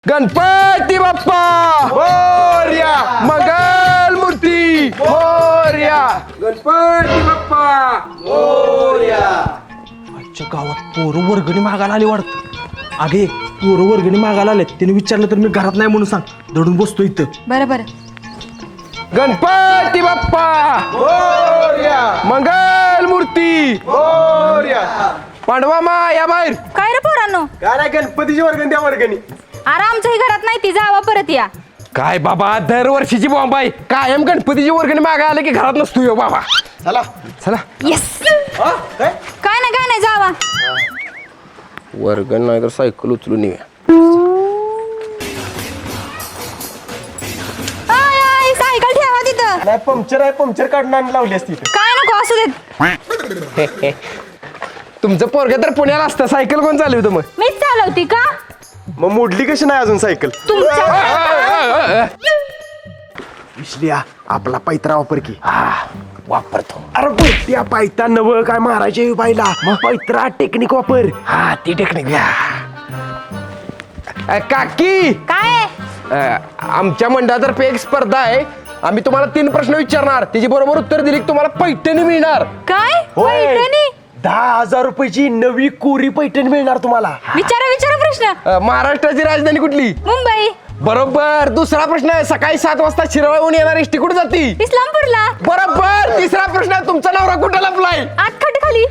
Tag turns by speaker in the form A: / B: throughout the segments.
A: गणपती बाप्पा मोरया, मंगल मूर्ती मोरया, गणपती बाप्पा मोरया.
B: आजच्या गावात पोरं वर्गणी मागायला आली वाटत. अगे पोरं वर्गणी मागायला आले, त्याने विचारलं तर मी घरात नाही म्हणून सांग. दडून बसतो इथं.
C: बरं बरं.
A: गणपती बाप्पा मोरया, मंगल मूर्ती मोरया. पांडवा मा या बाहेर.
C: काय रे पोरांनो,
A: काय गणपतीची वर्गणी द्या वर्गणी.
C: अरे आमच्याही घरात नाही ती, जावा परत या.
A: काय बाबा दरवर्षीची बॉम्ब आहे, कायम गणपतीची वर्गणी मागायला आलं की घरात नसतो यो बाबा. चला चला.
C: येस. काय नाही जावा.
A: वर्गण नाही तर सायकल उचलून येऊया.
C: सायकल ठेवा तिथं.
B: नाही पंक्चर आहे, पंक्चर काढून आणि लावली असती.
C: काय नको असू देत.
A: तुमचं पोरग तर पुण्याला असतं, सायकल कोण चालवतं मग?
C: मीच चालवती का?
B: मग मोडली कशी नाही अजून सायकल?
C: तुमच्या
B: विसलिया आपला पैत्रा वापर की.
A: वापरतो.
B: अरे त्या पायता नव काय मारायचे बाईला, मग पैत्रा टेक्निक वापर.
A: हा ती टेक्निक घ्या. काकी
C: काय?
A: आमच्या मंडळातर्फे एक स्पर्धा आहे. आम्ही तुम्हाला 3 प्रश्न विचारणार, त्याची बरोबर उत्तर दिली की तुम्हाला पैठणी मिळणार.
C: काय पैठणी?
B: 10,000 रुपयाची नवी कोरी पैठणी मिळणार तुम्हाला.
C: विचारा प्रश्न.
A: महाराष्ट्राची राजधानी कुठली?
C: मुंबई.
A: बरोबर. दुसरा प्रश्न आहे, सकाळी 7 वाजता शिरवळहून येणार एसटी कुठे जाती?
C: इस्लामपूरला.
A: बरोबर. तिसरा प्रश्न आहे, तुमचा नवरा कुठे लपलाय?
C: आत खाली.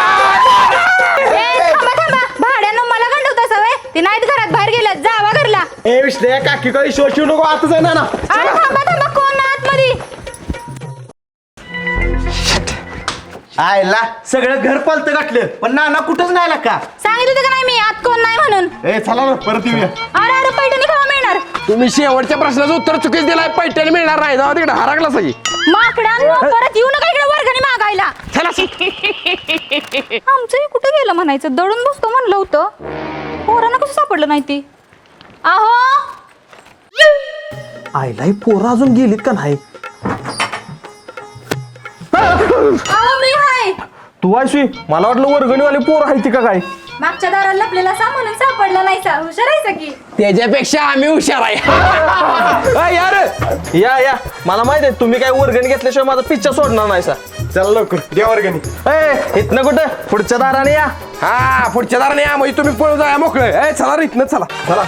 C: थांबा भाड्यानं मला गंडवता सवय. ती नाहीत घरात, बाहेर गेल्यात. जावा घरला.
B: ए विसलिया काकी काही शोध शिवू नको, आताच आहे ना.
C: अरे थांबा कोण ना आतमध्ये?
B: आयला सगळं घर पालत गाठलं, पण नाना कुठंच नाही आला का?
C: सांगितलं होतं का नाही मी आत कोण नाही म्हणून?
B: ए चला ना परत येऊया.
C: अरे पैठणी केव्हा मिळणार?
A: तुम्ही शेवटच्या प्रश्नाचं उत्तर चुकीच दिलाय. पैठणी मिळणार नाही. जाऊ तिकडे हरागला सही.
C: माकडांनो, परत येऊ नका इकडे वर्गणी मागायला. आमचंही कुठं गेलं म्हणायचं, दळून बसतो म्हणलं होतं. पोरांना कसं सापडलं नाही ती? आहो
B: आईला ही पोरं अजून गेलीत का नाही?
C: आहो मी हाय.
B: तू आयशी मला वाटलं वर्गणीवाली पोर आहे ती का काय?
C: मागच्या दाराला लपलेला सा म्हणून सापडला नाही सा. हुशार आहे की?
A: त्याच्यापेक्षा आम्ही हुशार आहे.
B: यार या मला माहित आहे तुम्ही काय वर्गणी घेतल्याशिवाय माझा पिच्चा सोडणार नाही सा. चला लवकर द्या वर्गणी. इथनं कुठं पुढच्या दाराने या.
A: हा पुढच्या दाराने या, म्हणजे तुम्ही पळून जाया मोकळे. चला रे इथनं चला.
B: चला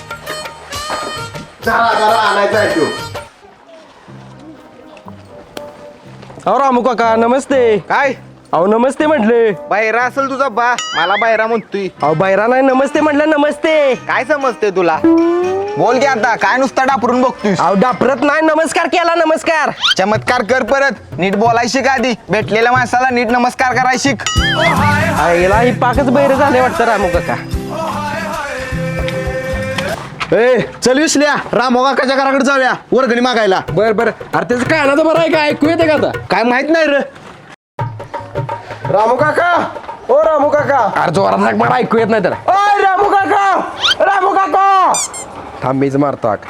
B: अहो रामू काका नमस्ते.
D: काय
B: अहो नमस्ते म्हटले.
D: बाहेरा असेल तुझा बा, मला बाहेरा म्हणतोय.
B: अहो बायरा नाही नमस्ते म्हटलं. नमस्ते.
D: काय समजते तुला? बोल की आता, काय नुसता डापरून बघतोय?
B: अहो डापरत नाही, नमस्कार केला. नमस्कार.
D: चमत्कार कर परत. नीट बोलाय शिक आधी. भेटलेल्या माणसाला नीट नमस्कार कराय शिक.
B: आईला ही पाकच बैर झाले वाटतं रामू काका. ए चल विसल्या रामू काकाच्या घराकडे जाऊया वर्गणी मागायला.
A: बर अरे त्याचं कानाचं बरं आहे का? ऐकू येते का आता?
B: काय माहित नाही रे.
A: रामू काका. ओ रामू काका. अरे जोरात हाक मला ऐकू येत नाही त्याला. ओ रामू काका. रामू काका. थांब मीच मारतो हाक.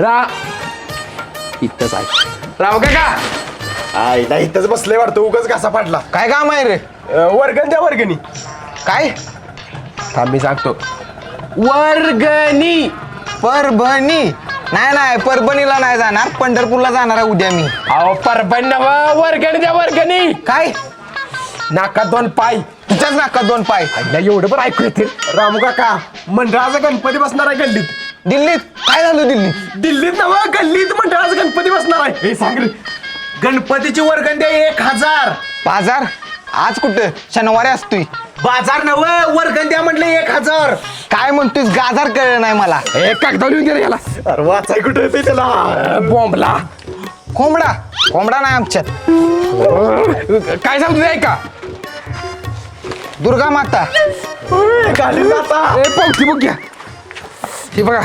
A: इथंच आहे रामू काका.
B: आईला इथंच बसले वाटतं, उगाच घासा पाडला.
D: काय काम आहे रे?
B: वर्गण द्या वर्गणी.
D: काय?
A: थांब मी सांगतो. वर्गणी.
D: परभणी? नाही परभणीला नाही जाणार, पंढरपूरला जाणार आहे उद्या मी.
A: अहो परभणी नव्ह, वर्गणी द्या वर्गणी.
D: काय?
A: नाकात 2 पाय.
D: तुझ्याच नाकात 2 पाय.
A: एवढं पण ऐकू येते.
B: रामू काका मंडळाचा गणपती बसणार आहे गल्लीत.
D: दिल्लीत? काय झालं दिल्लीत?
B: दिल्लीत नव्ह, गल्लीत मंडळाचा गणपती बसणार आहे. हे सांग रे. गणपतीची वर्गण द्या 1,000.
D: बाजार? आज कुठं? शनिवारी असतोय.
B: बाजार नव्ह, वर्गण द्या म्हटलं 1,000.
D: काय म्हणतोय? गाजार कळलं नाही मला.
A: कागदा लिहून दे रे याला.
B: अरे वाचाय कुठं येते त्याला.
A: बॉम्बला.
D: कोंबडा नाही आमच्यात.
A: काय सांगतो ते ऐका.
D: दुर्गा माता.
B: घालील आता.
A: पावती बघ घ्या. हे बघा.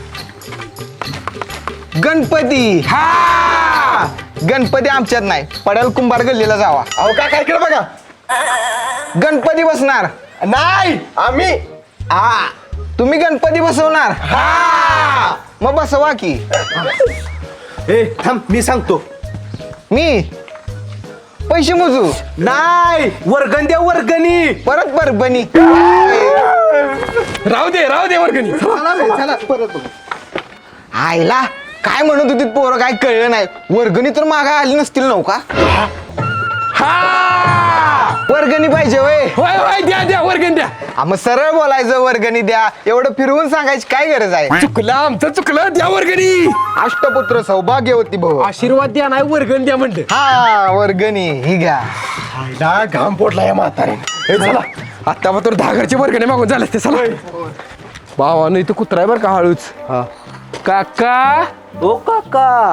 D: गणपती.
A: हा
D: गणपती आमच्यात नाही, पडेल कुंभार गल्लीला जावा.
B: अहो काय केलं बघा.
D: गणपती बसणार
B: नाही आम्ही.
D: हा, तुम्ही गणपती बसवणार?
B: हा.
D: मग बसवा की.
B: ए थांब मी सांगतो.
D: मी पैसे मोजू?
B: नाही वर्गण द्या वर्गणी.
D: परत परभणी.
A: राहू दे वर्गणी
D: आईला काय म्हणत होती पोरं काय कळलं नाही वर्गणी तर मागा आली नसतील नव का
A: हा
D: वर्गणी पाहिजे वय
A: होय होय द्या वर्गणी द्या
D: मग सरळ बोलायचं वर्गणी द्या एवढं फिरवून सांगायची काय गरज आहे
A: चुकलं आमचं चुकलं द्या वर्गणी
D: अष्टपुत्र सौभाग्यवती भाऊ
A: आशीर्वाद द्या नाही वर्गणी द्या म्हणलं
D: हा वर्गणी ही घ्या
A: घाम पोटला या म्हातारे चला आता मग तर 10 घरचे वर्गणी मागून झाले ते चला भावानं इथं कुत्रा आहे बरं का हळूच काका
B: ओ काका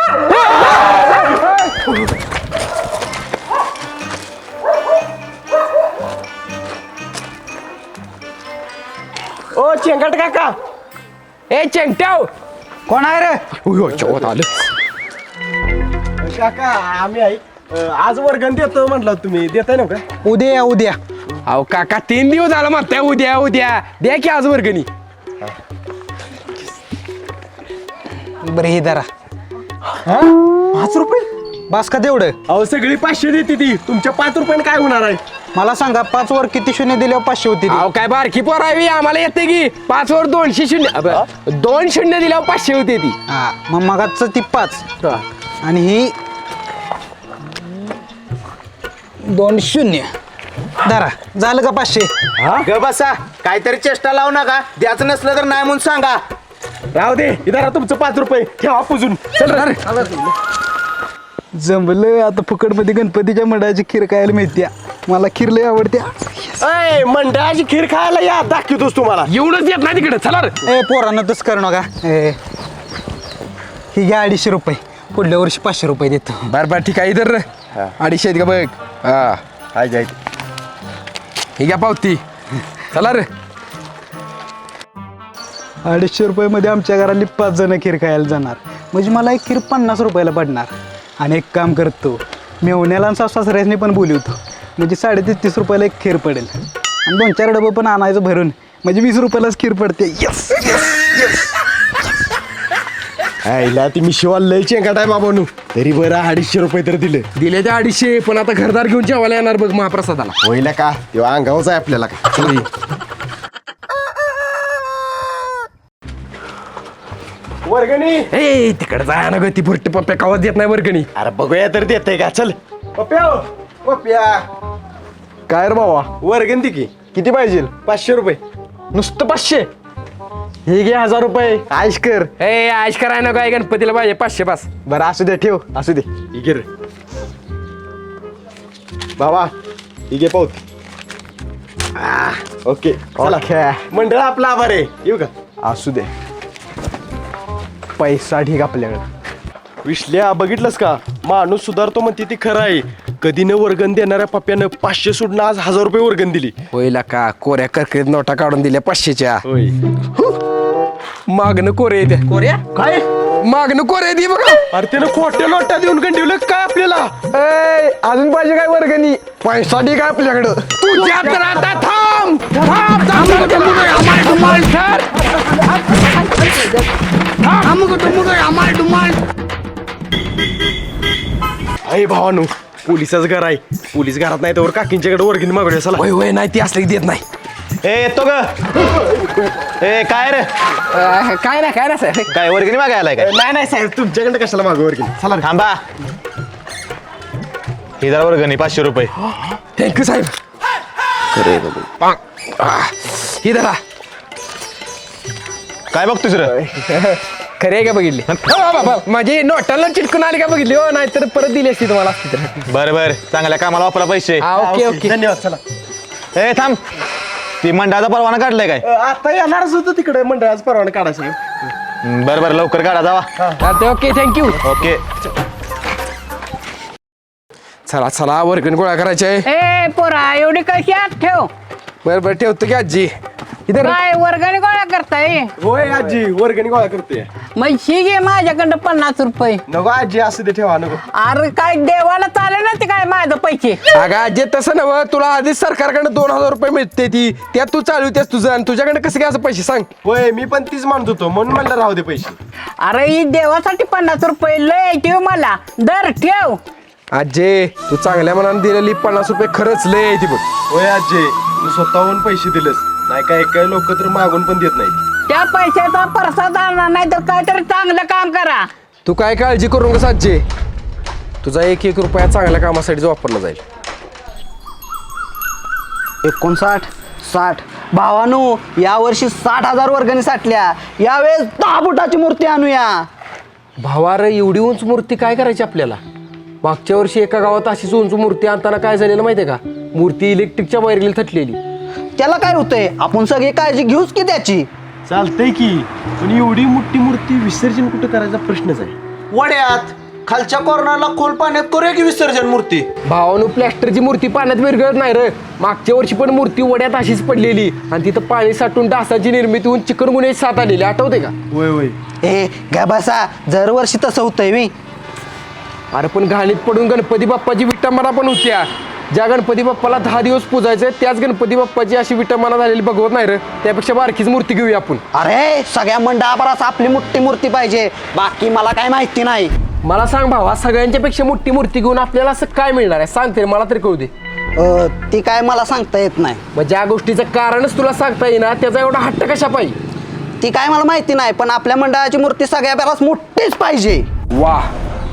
A: ओ चेंगट काका ए चेंगट्याव
D: कोण आहे रे
A: चौथ आलं
B: काका आम्ही आहे आज वर्गण देतो म्हटलं तुम्ही देताय ना का
D: उद्या उद्या
A: अहो काका 3 दिवस झालं म्हणताय उद्या द्या की आज वर्गणी
D: बरं हे धरा
B: 5 रुपये
D: बस का तेवढं
B: अहो सगळी 500 देते ती तुमच्या 5 रुपयाने काय होणार आहे
D: मला सांगा 5 वर किती शून्य दिल्यावर 500 होती
A: अहो काय बारकी पोरावी आम्हाला येते की 5 वर 200 शून्य 2 शून्य दिल्यावर 500 होते ती
D: हा मग मगाच ती 5 आणि ही 2 शून्य धरा झालं का 500
B: ग बसा काहीतरी चेष्टा लावू नका द्यायचं नसलं तर नाही म्हणून सांगा राहू दे इधर तुमचं 5 रुपये ठेवा पुजून चल रे
D: जमलं आता फुकटमध्ये गणपतीच्या मंडळाची खीर खायला मिळते मला खीर लय आवडते
B: अय मंडळाची खीर खायला या दाखवतोस तुम्हाला
A: एवढंच येत नाही तिकडे चला रे
D: ए पोरांना तसं करू नका ही घ्या 250 रुपये पुढल्या वर्षी 500 रुपये देतो
A: बर ठीक आहे इधर 250 आहेत का बघ हा
B: हाय जाय
A: ही घ्या पावती चला रे
D: 250 रुपयामध्ये आमच्या घरातली 5 जण खीर खायला जाणार म्हणजे मला एक खीर 50 रुपयाला पडणार आणि एक काम करतो मेवण्याला आणि सासऱ्याने पण बोलवतो म्हणजे 33.5 रुपयाला एक खीर पडेल आणि 2-4 डबं पण आणायचं भरून म्हणजे 20 रुपयालाच खीर पडते यस
B: आईला ती मी शिवाल लय चेंगाट आहे बाबानू तरी बरं 250 रुपये तर दिले
A: दिले ते 250 पण आता घरदार घेऊन जेवायला येणार बघ महाप्रसादाला
B: होईल का तेव्हा अंगावच आहे आपल्याला वर्गणी
A: ए तिकडे जाय ना ग ती भुरटी पप्प्या कावात देत नाही वर्गणी
B: अरे बघूया तर देते का चल पप्या पप्या काय रे बाबा वर्गण ती की किती पाहिजे 500 रुपये
A: नुसतं 500
B: हे घे 1000 रुपये आयश कर
A: ए आश कराय ना काय गणपतीला पाहिजे 500 पास
B: बरं असू दे ठेव असू दे ही घे रे बाबा ही घे पावती ओके चला मंडळ आपला आभार आहे येऊ का असू दे पैसा ठीक आपल्याकडे विश्ल्या बघितलंस का माणूस सुधारतो म्हणते ती खरं आहे कधी न वर्गण देणाऱ्या पप्प्यानं 500 सोडून आज 1000 रुपये वर्गण दिली
A: होईल का कोऱ्या करकरीत नोटा काढून दिल्या 500च्या
B: होय
A: मागणं कोरे येते कोऱ्या
B: काय
A: मागणं कोरे दे बघा
B: अरे त्यानं खोट्या नोटा देऊन गंडवलं काय आपल्याला
A: अजून पाहिजे काय वर्गणी पैसा ठीक आहे आपल्याकडं तुझ्या तर आता थांब
B: अरे भावानू पोलिसच घर आहे पोलीस घरात नाही तर काकींच्याकडे वर्गणी मागवली चला
A: होय होय नाही ती असली देत नाही
E: ए येतो ग ए काय रे
A: काय नाही साहेब
E: काय वर्गणी मागायला काय
B: नाही नाही साहेब तुमच्याकडे कशाला मागू वर्गणी चला रे.
E: थांबा ही जरा वर्गणी 500 रुपये
A: थँक्यू साहेब ही धरा
E: काय बघतोस रे
A: खरे का बघितली माझी नोटाला चिटकून आली का बघितली हो नाहीतर परत दिली असती तुम्हाला असती तर
E: बरं बरं चांगल्या कामाला वापरा पैसे
A: ओके ओके
B: धन्यवाद चला
E: ए थांब ती मंडळाचा परवाना काढलाय काय
B: आता येणारच होतं तिकडे मंडळाचा परवाना काढा साहेब
E: बरं बरं लवकर काढा जावा
A: चालते ओके थँक्यू
E: ओके
A: चला चला वर्गण गोळा करायचे आहे
F: ए पोरा एवढी कशी आत ठेव
A: बरं बरं ठेवतो की आजी इधर
F: काय वर्गणी गोळा करताय
B: होय आजी वर्गणी गोळा करते
F: मग ही घे माझ्याकडं 50 रुपये
B: नको आजी असू दे ठेवा नको
F: अरे काय देवाला चालेल ना ते काय माझं पैसे
A: अगं आजी तसं नव्ह तुला आधीच सरकारकडे 2000 रुपये मिळते ती त्यात तू चालवतेस तुझं आणि तुझ्याकडे कसं काय असं पैसे सांग
B: होय मी पण तीच मानत होतो म्हणून म्हणलं राहू दे पैसे
F: अरे ही देवासाठी 50 रुपये लय ठेव मला दर ठेव
A: आजे तू चांगल्या मनाने दिलेली 50 रुपये खरंच लय आहे ती बघ
B: होय आजी तू स्वतःहून पैसे दिलेस
E: नाही काय लोक तर मागून पण देत नाहीत.
F: त्या पैशाचा प्रसाद आणा, नाही तर काहीतरी चांगलं काम करा.
A: तू काय काळजी करू नका साजे, तुझा 1 रुपया चांगल्या कामासाठी वापरला जाईल.
G: 59, 60. भावानो, यावर्षी 60,000 वर्गणी साठल्या. यावेळेस 10 फुटाची मूर्ती आणूया.
A: भावार एवढी उंच मूर्ती काय करायची आपल्याला? मागच्या वर्षी एका गावात अशीच उंच मूर्ती आणताना काय झालेलं माहितीये का? मूर्ती इलेक्ट्रिकच्या वायरीला थटलेली.
G: त्याला काय होतंय, आपण सगळी काळजी घेऊच की त्याची.
E: चालतंय की, पण एवढी मोठी मूर्ती विसर्जन कुठं करायचा प्रश्नच आहे.
B: वड्यात खालच्या कॉर्नरला खोल पाण्यात करूया की विसर्जन मूर्ती.
A: भावानं प्लॅस्टरची मूर्ती पाण्यात विरघळत नाही रे. मागच्या वर्षी पण मूर्ती वड्यात अशीच पडलेली आणि तिथं पाणी साठून डासाची निर्मिती होऊन चिकनगुन्ह्याची साथ आलेली, आठवते का?
E: वय
G: ए गा बसा, दरवर्षी तसं होतंय मी.
A: अरे पण घाणीत पडून गणपती बाप्पाची विटंबना पण होत्या. ज्या गणपती बाप्पाला 10 दिवस पूजायचं त्याच गणपती बाप्पाची अशी विटंबना झालेली बघवत नाही रे. त्यापेक्षा बारकीच मूर्ती घेऊया आपण.
G: अरे सगळ्या मंडळाभरास आपली मोठी मूर्ती पाहिजे, बाकी मला काय माहिती नाही.
A: मला सांग भावा, सगळ्यांच्या पेक्षा मोठी मूर्ती घेऊन आपल्याला असं काय मिळणार आहे? सांगते मला तरी कळू दे.
G: ती काय मला सांगता येत नाही.
A: मग ज्या गोष्टीचं कारणच तुला सांगता येईना त्याचा एवढा हट्ट कशा पाहिजे?
G: ती काय मला माहिती नाही, पण आपल्या मंडळाची मूर्ती सगळ्या बराच मोठीच पाहिजे.
A: वाह,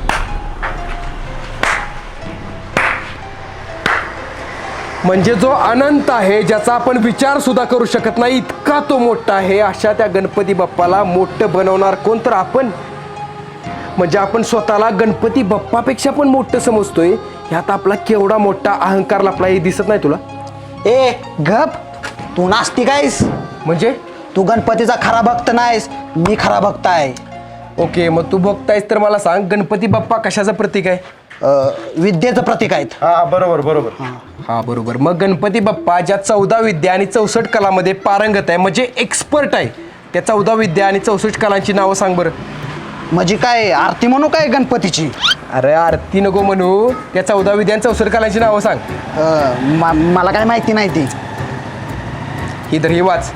A: म्हणजे जो अनंत आहे, ज्याचा आपण विचार सुद्धा करू शकत नाही, इतका तो मोठा आहे. अशा त्या गणपती बाप्पाला मोठं बनवणार कोण तर आपण. म्हणजे आपण स्वतःला गणपती बाप्पापेक्षा पण मोठं समजतोय. ह्यात आपला केवढा मोठा अहंकार लपला हे दिसत नाही तुला?
G: ए गप, तू नास्तिक कायस?
A: म्हणजे
G: तू गणपतीचा खरा भक्त नाहीस, मी खरा भक्त आहे.
A: ओके, मग तू बघतायस तर मला सांग, गणपती बाप्पा कशाचं प्रतीक आहे?
G: विद्येचं प्रतीक आहेत.
E: हा बरोबर.
A: हा बरोबर. मग गणपती बाप्पा ज्या 14 विद्या आणि 64 कलामध्ये पारंगत आहे, म्हणजे एक्सपर्ट आहे, त्या 14 विद्या आणि 64 कलांची नावं सांग बरं.
G: म्हणजे काय आरती म्हणू काय गणपतीची?
A: अरे आरती नको म्हणू, त्या 14 विद्या आणि 64 कलांची नावं सांग.
G: मला काय माहिती नाही ती.
A: ही तर ही वाच.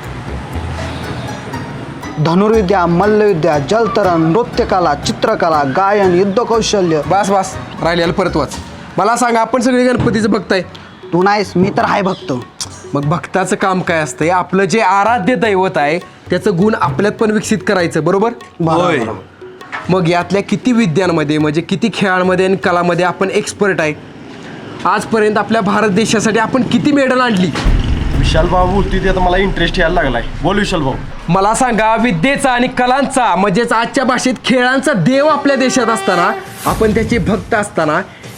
G: धनुर्विद्या, मल्लविद्या, जलतरण, नृत्यकला, चित्रकला, गायन, युद्ध कौशल्य.
A: बस राहिलेलं परत वाच. मला सांग, आपण सगळे गणपतीचं भक्त आहे.
G: तू नाहीस, मी तर आहे भक्त.
A: मग भक्ताचं काम काय असतंय? आपलं जे आराध्य दैवत आहे त्याचं गुण आपल्यात पण विकसित करायचं, बरोबर?
E: होय.
A: मग यातल्या किती विद्यांमध्ये, म्हणजे किती खेळांमध्ये आणि कलामध्ये आपण एक्सपर्ट आहे? आजपर्यंत आपल्या भारत देशासाठी आपण किती मेडल आणली?
E: विशाल भाऊ बोलतोय ते आता मला इंटरेस्ट यायला लागलाय. बोल विशाल भाऊ.
A: मला सांगा, विद्येचा आणि कलांचा, म्हणजेच आजच्या भाषेत खेळांचा देव आपल्या देशात असताना, आपण त्याचे भक्त असताना,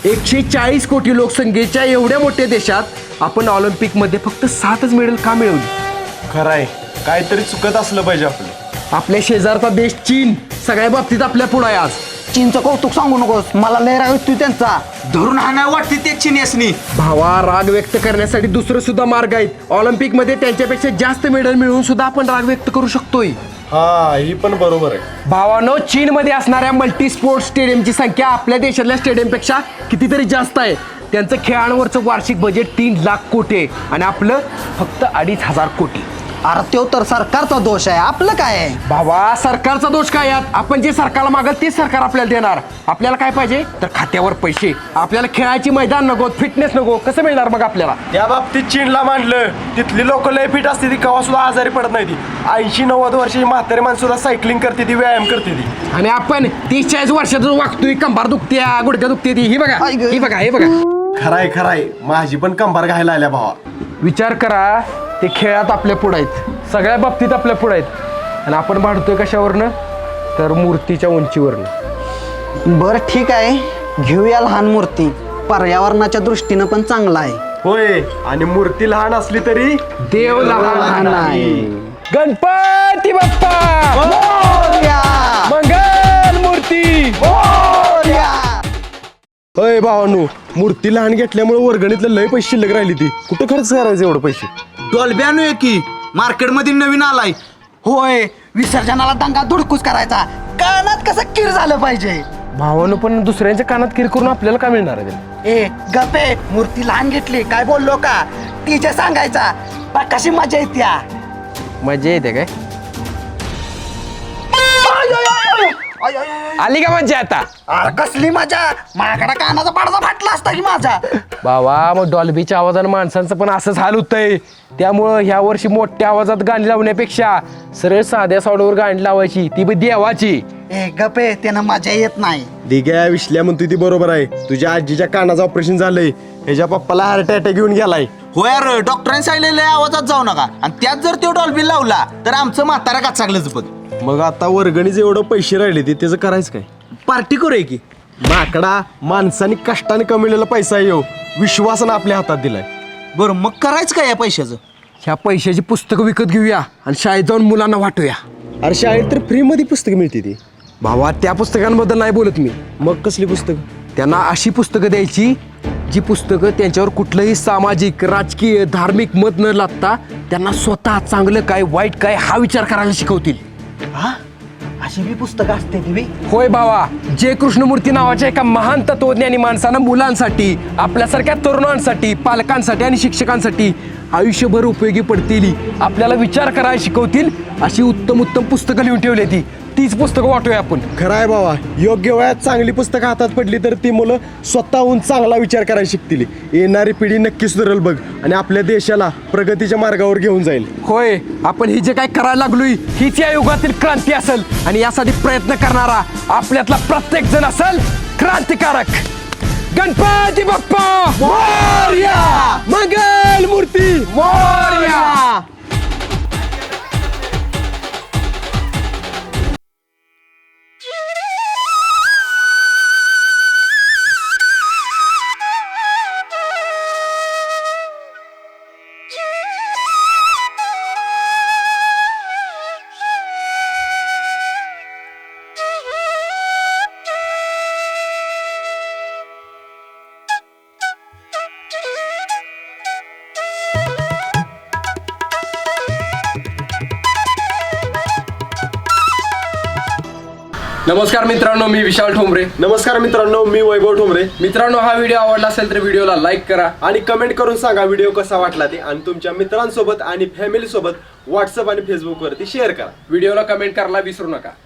A: 140 कोटी लोकसंख्येच्या एवढ्या मोठ्या देशात आपण ऑलिम्पिकमध्ये फक्त 7च मेडल का मिळवली?
E: खरंय, काहीतरी चुकत असलं पाहिजे आपलं.
A: आपल्या शेजारचा देश चीन सगळ्या बाबतीत आपल्या पुढे आहे आज.
G: चीनचं कौतुक सांगू नकोस, मला लय राग येतोय त्यांचा.
B: धरून हाणाय वाटते ते चिनेसनी.
A: भावा, राग व्यक्त करण्यासाठी दुसरं सुद्धा मार्ग आहेत. ऑलिम्पिकमध्ये त्यांच्यापेक्षा जास्त मेडल मिळवून सुद्धा आपण राग व्यक्त करू शकतोय.
E: हा, ही पण बरोबर आहे.
A: भावानो, चीनमध्ये असणाऱ्या मल्टी स्पोर्ट्स स्टेडियमची संख्या आपल्या देशातल्या स्टेडियमपेक्षा कितीतरी जास्त आहे. त्यांचं खेळांवरचं वार्षिक बजेट 3 लाख कोटी आहे आणि आपलं फक्त 2,500 कोटी.
G: अरे तो तर सरकारचा दोष आहे, आपलं काय आहे?
A: भावा, सरकारचा दोष काय यात? आपण जे सरकारला मागल तेच सरकार आपल्याला देणार. आपल्याला काय पाहिजे तर खात्यावर पैसे. आपल्याला खेळायची मैदान नको, फिटनेस नको, कसं मिळणार मग आपल्याला?
E: त्या बाबतीत चीनला मांडलं. तिथली लोक लय फिट असते, ती कवा सुद्धा आजारी पडत नाही. ती 80-90 वर्षाची म्हातारी माणसं सुद्धा सायकलिंग करते, ती व्यायाम करते ती.
A: आणि आपण 30-40 वर्षातून वागतोय, कंबार दुखत्या, गुडघ्या दुखते ती. ही बघा, ही बघा, हे बघा.
E: खराय, माझी पण कंबार घायला आल्या भावा.
A: विचार करा, ते खेळात आपल्या पुढे आहेत, सगळ्या बाबतीत आपल्या पुढे आहेत, आणि आपण भांडतोय कशावरनं? तर मूर्तीच्या उंचीवरनं.
G: बरं ठीक आहे, घेऊया लहान मूर्ती. पर्यावरणाच्या दृष्टीनं पण चांगला आहे.
E: होय, आणि मूर्ती लहान असली तरी
A: देव लहान आहे. गणपती बाप्पा
G: मोरया!
A: मंगल मूर्ती.
G: मोरया!
E: अय भावानू, मूर्ती लहान घेतल्यामुळे वर्गणीतलं लय पैसे शिल्लक राहिली. ती कुठं खर्च करायचे एवढं पैसे?
B: डॉल्बी आणूया की, मार्केटमध्ये नवीन आलाय.
G: होय, विसर्जनाला दंगा धुडकूस करायचा, कानात कसं किर झालं पाहिजे.
A: भावानं पण दुसऱ्यांच्या कानात किर करून आपल्याला काय मिळणार आहे?
G: ए गपे, मूर्ती लहान घेतली काय बोललो का? टीचर सांगायचा, बा कशी मजा येत्या.
A: मजा येते काय? आली का मज्जा आता?
G: अरे कसली मजा, माझ्याकडे कानाचा पडदा फाटला असता की माझा.
A: बाबा मग डॉल्बीच्या आवाजानं माणसांचं पण असंच हाल होतंय. त्यामुळं ह्या वर्षी मोठ्या आवाजात गाणी लावण्यापेक्षा सरळ साध्या साऊंडवर गाणी लावायची, ती बी देवाची.
G: ए गपे, त्यानं मजा येत नाही.
E: दिग्या विश्ल्या म्हणतोय ती बरोबर आहे. तुझ्या आजीच्या कानाचं ऑपरेशन झालंय, ह्याच्या पप्पाला हार्ट अटॅक घेऊन गेलाय.
B: हो यार, डॉक्टरांनी सांगितलेलं आवाजात जाऊ नका, आणि त्यात जर तो डॉल्बी लावला तर आमचं म्हातारा काचागलंच बघ.
E: मग आता वर्गणीचे एवढं पैसे राहिले ते त्याचं करायचं काय?
B: पार्टी करूया की.
E: माकडा, माणसाने कष्टाने कमवलेला पैसा येऊ विश्वासानं आपल्या हातात दिलाय.
B: बरं मग करायचं काय या पैशाचं?
A: ह्या पैशाची पुस्तकं विकत घेऊया आणि शाळेत जाऊन मुलांना वाटूया.
E: अरे शाळेत तर फ्रीमध्ये पुस्तकं मिळते ती.
A: भावा त्या पुस्तकांबद्दल नाही बोलत मी.
E: मग कसली पुस्तकं?
A: त्यांना अशी पुस्तकं द्यायची जी पुस्तकं त्यांच्यावर कुठलंही सामाजिक, राजकीय, धार्मिक मत न लागता त्यांना स्वतः चांगलं काय वाईट काय हा विचार करायला शिकवतील.
G: हा, अशी बी पुस्तकं असते ती बी.
A: होय भावा, जे कृष्णमूर्ती नावाच्या एका महान तत्वज्ञानी माणसानं मुलांसाठी, आपल्यासारख्या तरुणांसाठी, पालकांसाठी आणि शिक्षकांसाठी आयुष्यभर उपयोगी पडतील, आपल्याला विचार करायला शिकवतील अशी उत्तम उत्तम पुस्तकं लिहून ठेवली. तीच पुस्तकं वाटूया आपण.
E: खरं आहे बाबा, योग्य वयात चांगली पुस्तकं हातात पडली तर ती मुलं स्वतःहून चांगला विचार करायला शिकतील. येणारी पिढी नक्की सुधारेल बघ, आणि आपल्या देशाला प्रगतीच्या मार्गावर घेऊन जाईल.
A: होय, आपण ही जे काय करायला लागलोय हीच या युगातील क्रांती असेल, आणि यासाठी प्रयत्न करणारा आपल्यातला प्रत्येक जण असेल क्रांतिकारक. गणपती बाप्पा मोरया, मंगल मूर्ती मोरया. नमस्कार मित्रांनो, मी विशाल ठोंबरे.
E: नमस्कार मित्रांनो, मी वैभव ठोंबरे.
A: मित्रांनो, हा व्हिडिओ आवडला असेल तर व्हिडिओला लाईक करा
E: आणि कमेंट करून सांगा व्हिडिओ कसा वाटला ते, आणि तुमच्या मित्रांसोबत आणि फॅमिली सोबत व्हॉट्सअप आणि फेसबुक वरती शेअर करा.
A: व्हिडिओला कमेंट करायला विसरू नका.